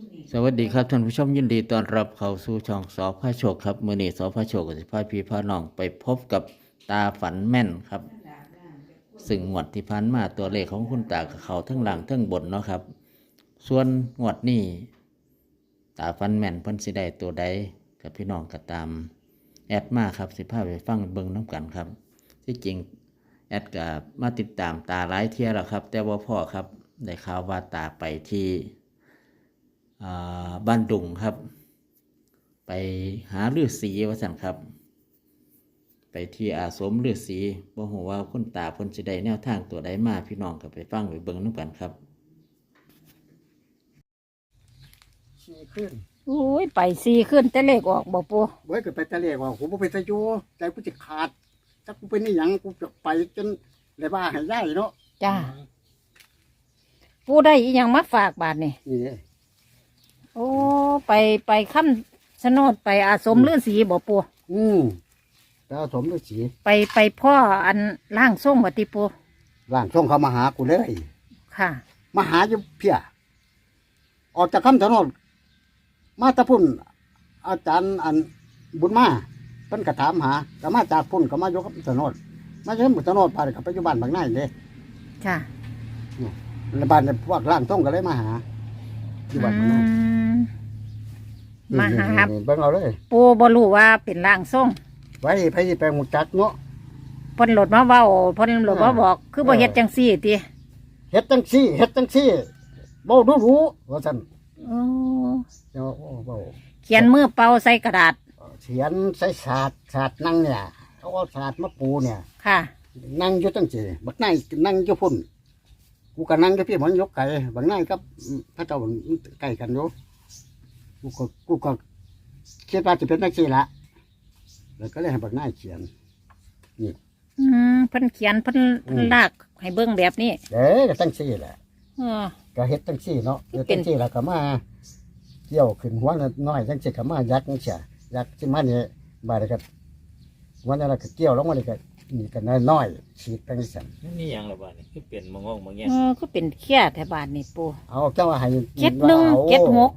สวัสดีครับท่านผู้ชมยินดีต้อนรับเข้าสู่ช่องสอพระโชคครับมื้อนี้สอพระโชคก็สิพาพี่พาน้องไปพบกับตาฝันแม่นครับซึ่งงวดที่ผ่านมาตัวเลขของคุณตากับเขาทั้งหลังทั้งบนเนาะครับส่วนงวดนี้ตาฝันแม่นเพิ่นสิได้ตัวใดกับพี่น้องก็ตามแอดมาครับสิพาไปฟังเบิ่งน้ำกันครับที่จริงแอดก็มาติดตามตาหลายเที่ยแล้วครับแต่ว่าพ่อครับได้ข่าวว่าตาไปที่บ้านดุงครับไปหาฤาษีว่าสั่นครับไปที่อาสมฤาษีบ่ฮู้ว่าคุณตาเพิ่นสิได้แนวทางตัวใดมาพี่น้องก็ไปฟังไปเบิ่งนำกันครับสี่ขึ้นอุ้ยไปสี่ขึ้นแต่เลขออกบ่ปูเว้ยก็ไปตะเลกว่ากูบ่ไปตะยูใจกูจะขาดถ้ากูเป็นนี่หยังกูจะไปจนเลยว่าให้ย่ายเนาะจ้าปูได้อีหยังมาฝากบาทนี่นี่เด้โอ้ไปค้ำชะโนดไปอาสมฤาษีบ่ปูอืมแต่เอาสมฤาษีไปพ่ออันร่างทรงวัติปูร่างทรงเขามาหากูเลยค่ะมาหาอยู่เพียออกจากคำถนนมาตะพุ่นอาจารย์อันบุญมาเพิ่นก็ถามหาก็มาจากพุ่นก็มายกคำถนนมาจากคำถนนไปกับปัจจุบันบางนายเด้ค่ะในบ้านพวกร่างทรงก็เลยมาหาอยู่บ้านบางนายมาหาเบิ่งเอาเลยปูบ่รู้ว่าเป็นร่างทรงไว้ไปไปหมุจักเนาะเพิ่นโหลดมาเว้าเพิ่นโหลดมาบอกคือบ่เฮ็ดจังซี่ติเฮ็ดจังซี่เว้าดูรู้ว่าซั่นโอ้เจ้าเว้าเขียนมือเป่าใส่กระดาษเขียนใส่ศาสตร์นั่งเนี่ยเขาเอาศาสตร์มาปูเนี่ยค่ะนั่งอยู่จังซี่บักนายนั่งอยู่พุ่นกูก็นั่งอยู่พี่มันยกไก่บักนายกับพระเจ้าใกล้กันอยู่กูก็คิดว่าจะเป็นจังซี่ละแล้วก็เลยให้บักนายเขียนนี่เพิ่นเขียนเพิ่นลากให้เบิ่งแบบนี้ก็จังซี่แหละก็เฮ็ดจังซี่เนาะเฮ็ดจังซี่แล้วก็มาเกี่ยวขึ้นหัวน้อยจังซี่ก็มายักจังซี่ยักสิมานี่บาดก็วันนั้นก็เกี่ยวลงมานี่ก็นี่ก็น้อยฉีดจังซี่นี่หยังล่ะบาดนี้คือเป็นมะงงมะแงก็เป็นเขี้ยแถวบ้านนี่ปูเอาเจ้าให้ 71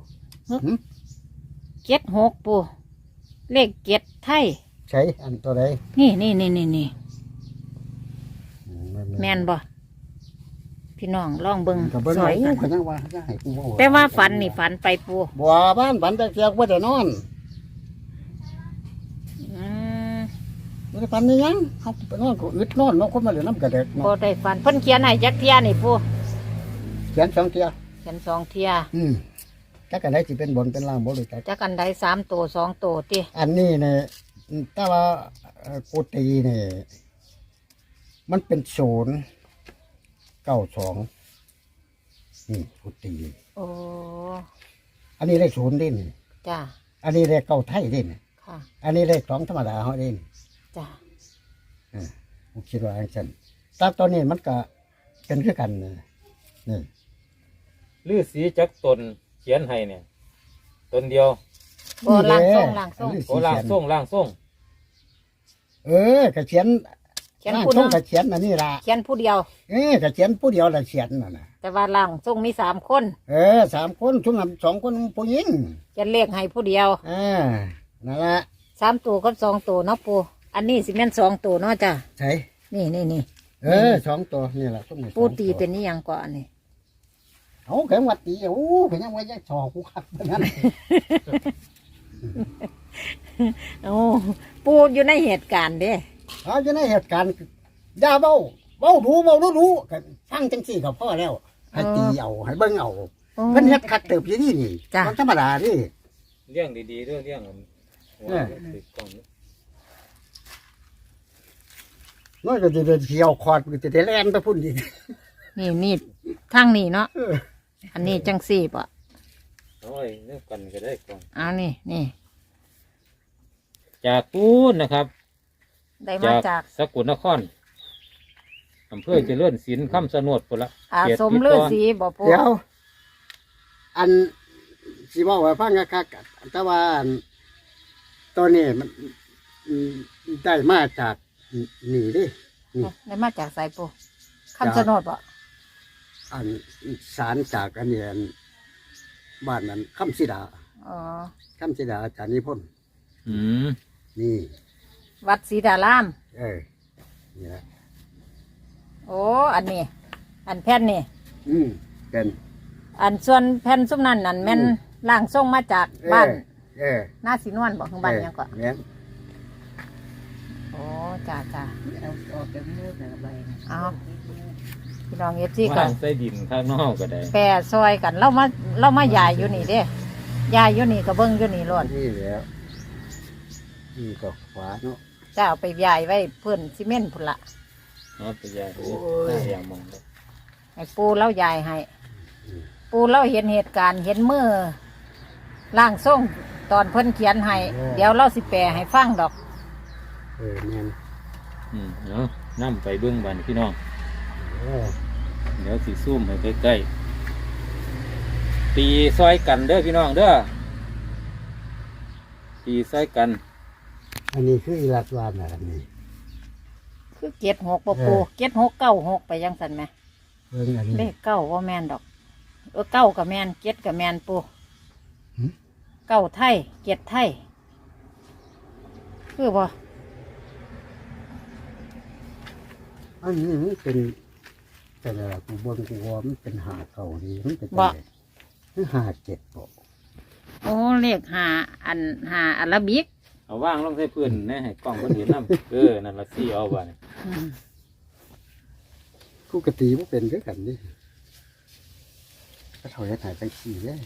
76ปูเลข7ไทยใช้อันตัวใดนี่แม่นบ่พี่น้องลองเบิ่งสวยกันแต่ว่าฝันนี่ฝันไปปูบัวบ้านฝันแต่เกียวว่าจะนอนไม่ได้ฝันนี่ยังเขาไปนอนก็อึดนอนน้องคนมาเหลือน้ำกระเด็กบ่ได้ฝันเพิ่นเขียนให้จักเที่ยนี่ปูเขียน2 เที่ยเขียน2 เที่ยจักกันได้สิเป็นบนเป็นล่างบ่เลยจักกันได้3 ตัว 2 ตัวติอันนี้เนี่ยถ้าว่ากูตีเนี่ยมันเป็น092นี่กูตีโอ้อันนี้เลข0ดินจ้าอันนี้เลข9ไทยดินค่ะอันนี้เลข2ธรรมดาเฮาดินจ้าผมคิดว่าอย่างนั้นแต่ตอนนี้มันก็เป็นคือกันนี่ฤาษีจักตนเขียนให้เนี่ยตนเดียวโอ้ล่างทรงโอ้ล่างทรงก็เขียนผู้นึงก็เขียนอันนี้ล่ะเขียนผู้เดียวก็เขียนผู้เดียวละเขียนนั่นน่ะแต่ว่าล่างทรงมี3 คน 3 คนชุ่ม2 คนผู้หญิงจะเลขให้ผู้เดียวนั่นละ 3 ตัวกับ2 ตัวเนาะปูอันนี้สิแม่น2 ตัวเนาะจ้ะใช่นี่ 2 ตัวนี่แหละปูตีเป็นนี่ยังก่อนนี่เอาแข็งวัดตีแข็งไว้ยักษ์ชอกูขัดแบบนั้นโอ้ปูอยู่ในเหตุการณ์เด้อยู่ในเหตุการณ์อย่าเบารู้กันฟังจังสี่กับพ่อแล้วให้ตีเอาให้เบิ้งเอาเพิ่นเฮ็ดคัดเติบอยู่นี่มันธรรมดาดิเรื่องดีๆเรื่องน้อยก็จะเที่ยวคอดก็จะแล่นไปพุ่นอีกนี่ทางนี้เนาะอันนี้จังสี่ป่ะโอ้ยเรื่องกันก็ได้ก่อนนี่จากปูนนะครับได้มาจากสกลนครอำเภอเจริญศิลป์คำสนดพุ่นละสมฤาษีบ่ปูเดี๋ยวอันสิบอกว่าฟังคักๆแต่ว่าตัวนี้มันได้มาจากนี่ดิได้มาจากไสปูคำสนดบ่อันสารจากอันนี้บ้านนั้นคำสิดาอ๋อคำสิดาอาจารย์นิพนธ์อืมนี่วัดศรีดารามนี่แหละโอ้อันนี้ อันแผ่นนี่เป็นอันส่วนแผ่นซุ้มนั่นนั่นแม่นอืมล่างส่งมาจากบ้านเออหน้าสีนวลบอกข้างบ้านหยังก็แม่นโอ้จ้าจ้าออกจากมือแต่ละใบนะเอาพี่น้องเอฟซีกัว่าน งใส่ดินข้างนอกก็ได้แปรซอยกันเรามายายอยู่นี่เด้ยายอยู่นี่ก็เบิ้งอยู่นี่ล้วนนี่แล้วนี่ก็ขวาเนาะจะเอาไปยายไว้เพื่อนซีเมนต์พุ่นละเอาไปยายหน้าอย่างมองเลยให้ปูเล่ายายให้ ปูเล่าเห็นเหตุการณ์เห็นมือล่างส่งตอนเพิ่นเขียนให้เดี๋ยวเราสิแปลให้ฟังดอกแม่นเนาะนั่ไปเบื้องบันพี่น้องเออเดี๋ยวสีซุ่มให้ใกล้ๆตีซอยกันเด้อพี่น้องเด้อตีซอยกันอันนี้คืออีลัดวานอันนี้คือ76บ่ปู7696ไปยังสันไหมเบิ่งอันนี้เลข9ว่าแม่นดอกเก้ากับแม่น7กับแม่นปูหึเก้าไทย7ไทยคือบ่อันนี้มันเป็นอะไรกูเบิ่งกูว่ามันเป็นหาเก่าดีมันเป็นอะไรคือหาเจ็ดบ่โอ้เลขหาอันหาอาราบิกเอาว่างลงใส่พื้นนะให้กล้องคนเห็นน้ำนั่นละซี่เอาบ้านกูกตีมันเป็นคือกันนี่ก็ถอยหายจังสี่เลย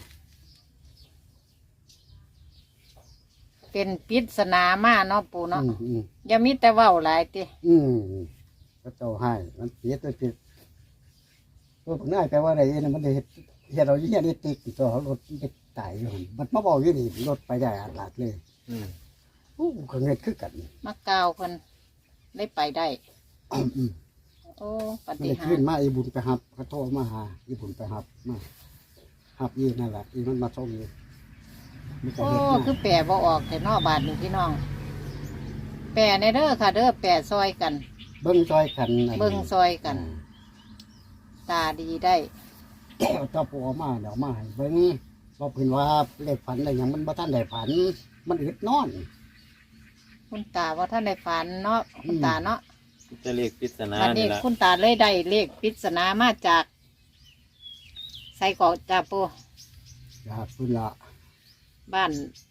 เป็นปริศนามาเนาะปูเนาะอืมอย่ามีแต่เว้าหลายติก็เจ้าให้มันเสียตัวผิดตัวผลง่ายแปลว่าอะไรเนี่ยมันได้เฮ็ดเราเฮียได้ติดตัวเขารถไปตายอยู่หั่นมันมาบอกอยู่นี่รถไปได้อัดหลักเลยก็เงินคือกันมากล่าวเพิ่นได้ไปได้ โอ้ปมันฏิได้หาขึ้รนย์มาอีบุญไปหับเขาโทรมาหาอีบุญไปหับมาหับอีนั่นแหละอีมันมาส่งอยู่มันก็โอ้เฮ็ดมาคือแปลบ่ออกแต่นอบาทนี่พี่น้อง แปลในเด้อค่ะ เด้อแปลซอยกันเบิ้งซอยกันเบิ่งซอยกัน ตาดีได้เจ้าปู่เอามาเดี๋ยวมาให้เบิ้งบอกเพิ่นว่าเลขฝันอะไรอย่างมันบ่ทันได้ฝัน มันอึดนอนคุณตาว่าท่านได้ฝันเนาะคุณตาเนาะจะเรียกปริศนาวันนี้นี่ละคุณตาเลยได้เลขปริศนามาจากใส่กอกจ่าปูอยากพุ่นละบ้าน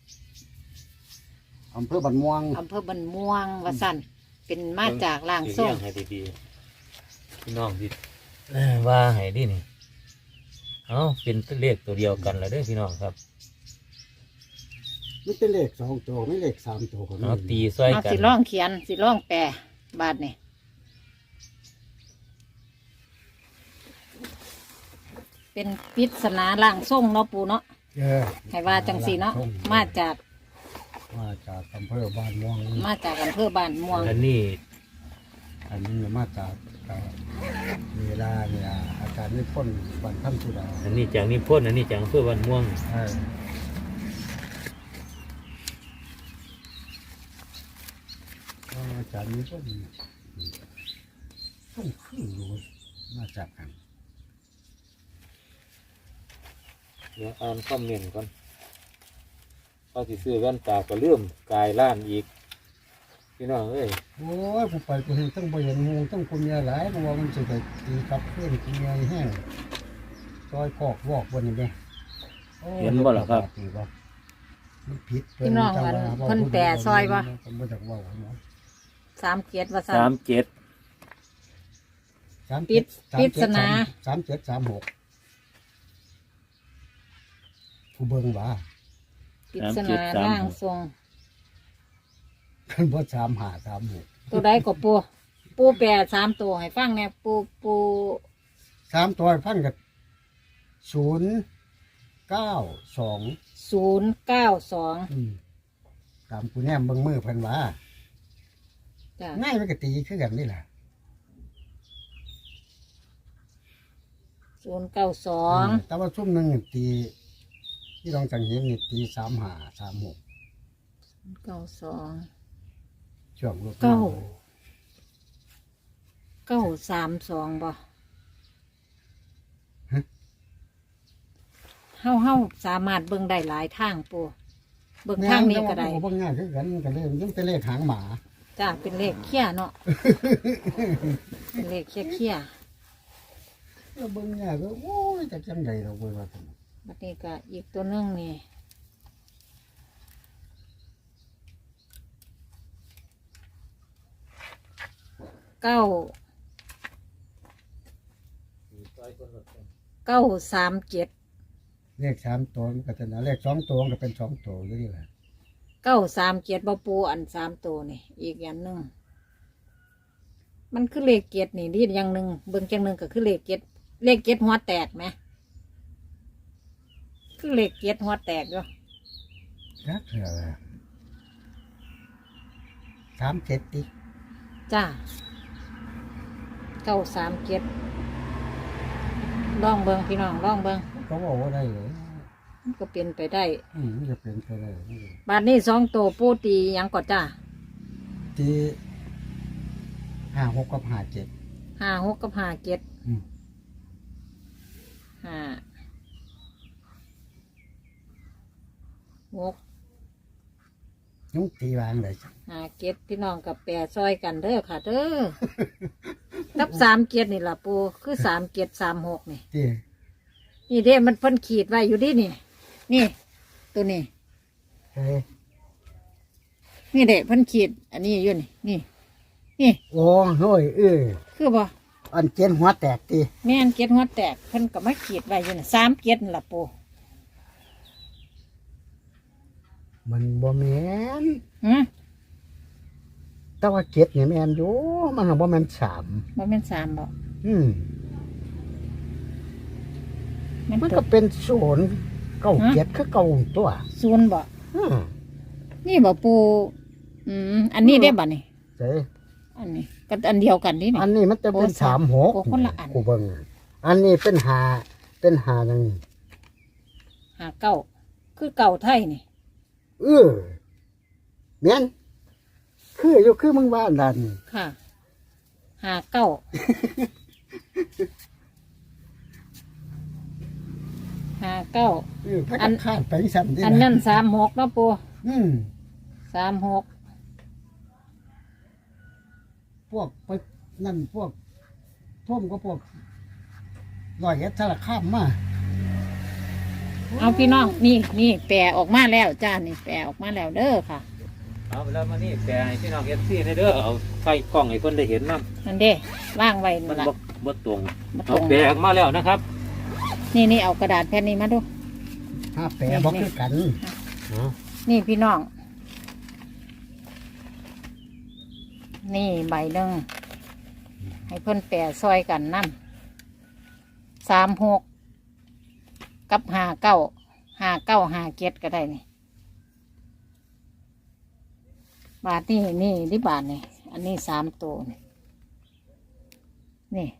อำเภอบันม่วงอำเภอบันม่วงวสันเป็นมาจากล่างสิส่เลี้งยให้ดีๆพี่น้องดิว่าให้ดินี่เอาเป็นเลขตัวเดียวกันแล้วเด้อพี่น้องครับมันเป็นเลข2ตัวไม่เลข3ตัวก็มีเอาตีซอยเอากันสิร่องเขียนสิร่องแปลบาทนี่เป็นปริศนาล่างส่งเนาะปูเนาะเออให้ว่าจังสีเนาะมาจากมาจากอำเภอบ้านม่วงมาจากอำเภอบ้านม่วงอันนี้อันนี้มาจากเวลาเนี่ยอาจารย์นิพนธ์บันทันสุดาอันนี้จากนิพนธ์อันนี้จากอำเภอบ้านม่วงอาจารย์นิพนธ์ต้องขึ้นอยู่มาจากกันเดี๋ยวอ่านคอมเมนต์ก่อนเขาสิซื้อแว่นตาก็เลื่อมกายล้านอีกพี่น้องเอ้ยโอ้ยผู้ไปกูเห็นต้องไปเห็นงูต้องคนเมียหลายเพราะว่ามันจะไปตีกับเพื่อนกินเมียแห้งซอยกอกวอกบนนี้ไหมโอ้ยเห็นบ่ล่ะครับตีบ่มันผิดพี่น้องกันเพิ่นแต่ซอยบ่ผมบ่จากเว่าเนาะ 3 ว่าซั่น 37 37 ปริศนา 3736ผู้เบิ่งว่าปริศนาล่างทรงเพิ่นบ่3536 ตัวใดก็ปูปูแปล3ตัวให้ฟังแหน่ปู 3ตัวพันกับ092 092 ตามกูแนมเบิ่งมือเพิ่นว่าจ้ะง่ายมันก็ตีคือกันนี่แหละ 092 แต่ว่าซุ่มหนึงนี่ตีที่ลองจังเห็นนี่ตี3536 92 ช่วงรถเก้า 932บ่เฮาสามารถเบิ่งได้หลายทางปูเบิ่งทางนี้ก็ได้เบิ่งง่ายคือกันก็เลยยังเป็นเลขหางหมาจ้าเป็นเลขเขี้ยเนาะ เป็นเลขเขี้ยแล้วเบิ่งง่ายก็โอ้ยจักจังไดเราเบิ่งว่าซั่นบัดนี้ก็อีกตัวหนึงนี่เก้า937 เลข3ตัวมันก็จะนะเลข2ตัวมันก็เป็น2ตัวอยู่นี่แหละ 937บ่ปูอัน3ตัวนี่อีกอย่างหนึงมันคือเลขเจ็ดนี่ดีอย่างหนึ่งเบิ่งจังหนึ่งก็คือเลขเจ็ดหัวแตกไหมคือเลขเจ็ดหัวแตกอยู่จักเถื่อละ37ติจ้า937ลองเบิ่งพี่น้องลองเบิ่งก็บอกว่าได้เลยมันก็เป็นไปได้มันจะเป็นไปได้บาทนี้2ตัวปูตีหยังก่อนจ้าที่56กับ57 56กับ57 อืม 56 ยุงตีวางเลยจ้ะ 57พี่น้องกับแปรซอยกันเด้อค่ะเด้อ กับ37นี่ล่ะปูคือ3736นี่ที่นี่เด้มันเพิ่นขีดไว้อยู่ดินี่ นี่ ตัวนี้เฮ้ยนี่เด้เพิ่นขีด อันนี้อยู่นี่นี่ นี่โอ้โห้ยคือบ่อันเจนหัวแตกตีแม่นเก็ดหัวแตกเพิ่นก็มาขีดไว้อยู่น่ะ3เก็ดนั่นล่ะปูมันบ่แม่นหือแต่ว่าเจ็ดเนี่ยแม่นอยู่มันบ่แม่นสามบ่แม่น3บ่มันตัก็วเป็นศูนย์เก้าเจ็ดคือเก้าตัว 0บ่อืมนี่บ่ปูอันนี้ได้บ่นี่เจ้อันนี้ก็อันเดียวกันนี่อันนี้มันจะเป็นโอ้สาม 36 โอ้คนละอันกูเบิ่งอันนี้เป็นหาจังนี้ 59คือเก่าไทยนี่แม่นคืออยู่คือมึงว่านั่นค่ะ59 พระกันคาดไปสั่นดิอันนั้น36เนาะปู 36 พวกไปนั่นพวกท่วมก็พวกร้อยเอ็ดสารคามมาเอาพี่น้องนี่แปรออกมาแล้วจ้านี่แปรออกมาแล้วเด้อค่ะเอาแล้วมานี่แปลให้พี่น้องเอฟซีในเด้อเอาไฟกล้องให้เพิ่นได้เห็นมั้งนั่นเด้ว่างไว้มันั่นนละบ่ตรงมาตเอารงแปลออกมาแล้วนะครับนี่เอากระดาษแผ่นนี้มาดูถ้าแปรบอกคือกันเนาะนี่พี่น้อง นี่ใบหนึ่งให้เพิ่นแปรซอยกันนั่น36กับ59 57ก็ได้นี่บาทนี่ที่บาทนี่อันนี้3ตัวนี่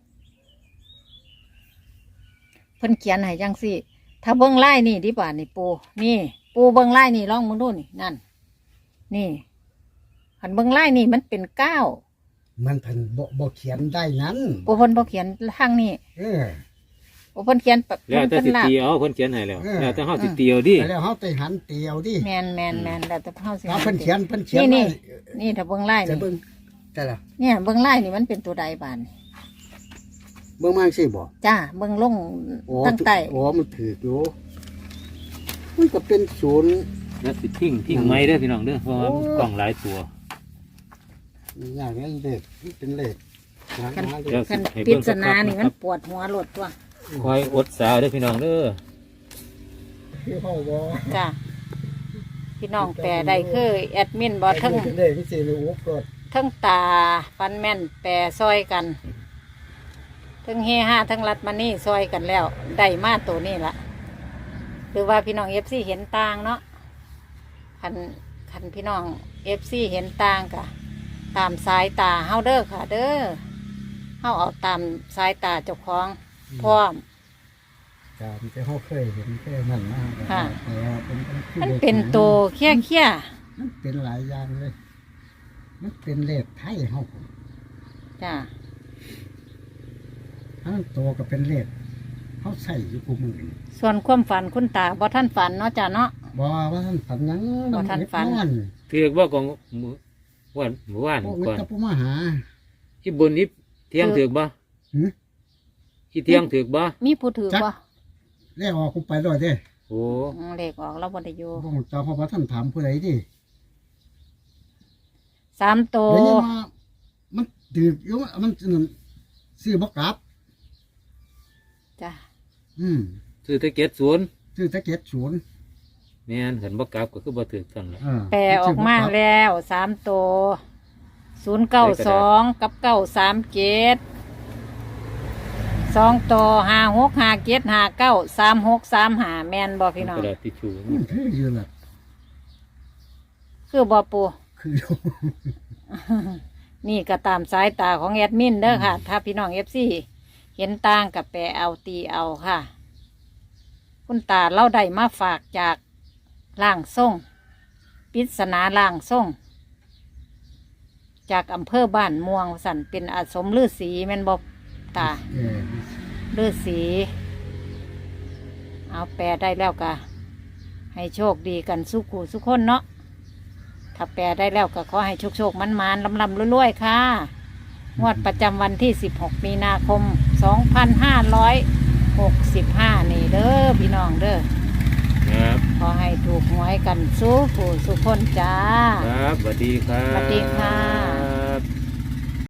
เพิ่นเขียนให้จังสิถ้าเบิ้งไล่นี่ที่บาทนี่ปูเบิ้งไล่นี่ลองมึงดูนี่นั่นนี่หันเบิ้งไล่นี่มันเป็น9 มันเพิ่นบ่เขียนได้นั้นปูเพิ่นบ่เขียนทางนี้ ปูเพิ่นเขียนแบบแล้วแต่เพิ่นสิลากตีเอาเพิ่นเขียนให้แล้วแล้วแต่เฮาสิตีเอาดิแล้วเฮาไปหันเตียวดิแมนแล้วแต่เฮาสิถ้าเพิ่นเขียนนี่ไว้นี่ถ้าเบิ้งไล่จะนี่เบิ่งแต่ละเนี่ยเบิ้งไล่นี่มันเป็นตัวใดบาทนี่เบิ่งมาจังซี่บ่จ้าเบิ้งลงโอ้ตั้งใต้โอ้มันถืออยู่มันก็เป็นศูนย์แล้วสิทิ้งไม้เด้อพี่น้องเด้อเพราะว่ามันกล้องหลายตัวอย่างนั้นเลขมันเป็นเลขหางหาเลเดี๋ยวขคันให้ปริเบิ่งศสักนาพักนี่นะคมัรันบปวดหัวหลดตัวคอยอดสาวเด้อพี่น้องเด้อคือเฮาบ่จ้าพี่น้องแปลได้คือแอดมินบ่ทั้งเป็นเลขที่สิเลยโอ้กดทั้งตาฟันแม่นแปรซอยกันทั้งเฮฮาทั้งรัดมานี่ซอยกันแล้วได้มาตัวนี้ละหรือว่าพี่น้องFCเห็นต่างเนาะคันพี่น้องFCเห็นต่างกะตามสายตาเฮาเด้อค่ะ เด้อเฮาเอาตามสายตาเจ้าของพร้อมตามที่เฮาเคยเห็นแค่นั้นมาค่ะแต่เป็นคือมันลขเป็นโตวเขี้ยมันเป็นหลายอย่างเลย มันเป็นเลขไทยเฮาจ้าทั้งตัวก็เป็นเลขเขาใส่อยู่กูมือนี่ส่วนความฝันคุณตาบ่ท่านฝันเนาะจ้ะเนาะบ่ว่าท่านฝันหยังบ่ทันฝันนอนถือว่าของวันเมื่อวานพวกมิก่อนตรผู้มาหาที่บนนี้เที่ยงถือบ่หือที่เที่ยงถือบ่มีผู้ถือบ่แล้วออกกูไปด้วยเด้โอ้เลขออกแล้วบ่ได้อยู่บ่เจ้าเพราะว่าท่านถามผู้ใดดิ 3ตัวเดี๋ยวนี้มามันถืออยู่มันซื้อบ่กลับจ้ะซื้อแตะเกียบศูนย์ซื้อแตะเก็ด0 แม่นเห็นบ่กลับก็คือบ่ถือกันแหละแปลออกมาแล้ว3ตัว092กับ937 2ตัว5657593635แม่นบ่พี่น้องกระดาษทิชชู่มันคืออยู่ล่ะคือบ่ปูคืออยู่นี่ก็ตามสายตาของแอดมินเด้อค่ะ ถ้าพี่น้อง FC เห็นต่างกับแปลเอาตีเอาค่ะ คุณตาเล่าได้มาฝากจากล่างส่งปริศนาล่างส่งจากอำเภอบ้านม่วงสันเป็นอาสมฤาษีแม่นบอกตาฤาษีเอาแปลได้แล้วกะให้โชคดีกันสุขูสุขคนเนาะถ้าแปลได้แล้วก็ขอให้โชคมันลำรวยๆค่ะงวดประจำวันที่16 มีนาคม 2565 นี่เด้อพี่น้องเด้อครับขอให้ถูกหวยกันสู้ผู้สุขคนจ้าครับสวัสดีครับสวัสดีค่ะ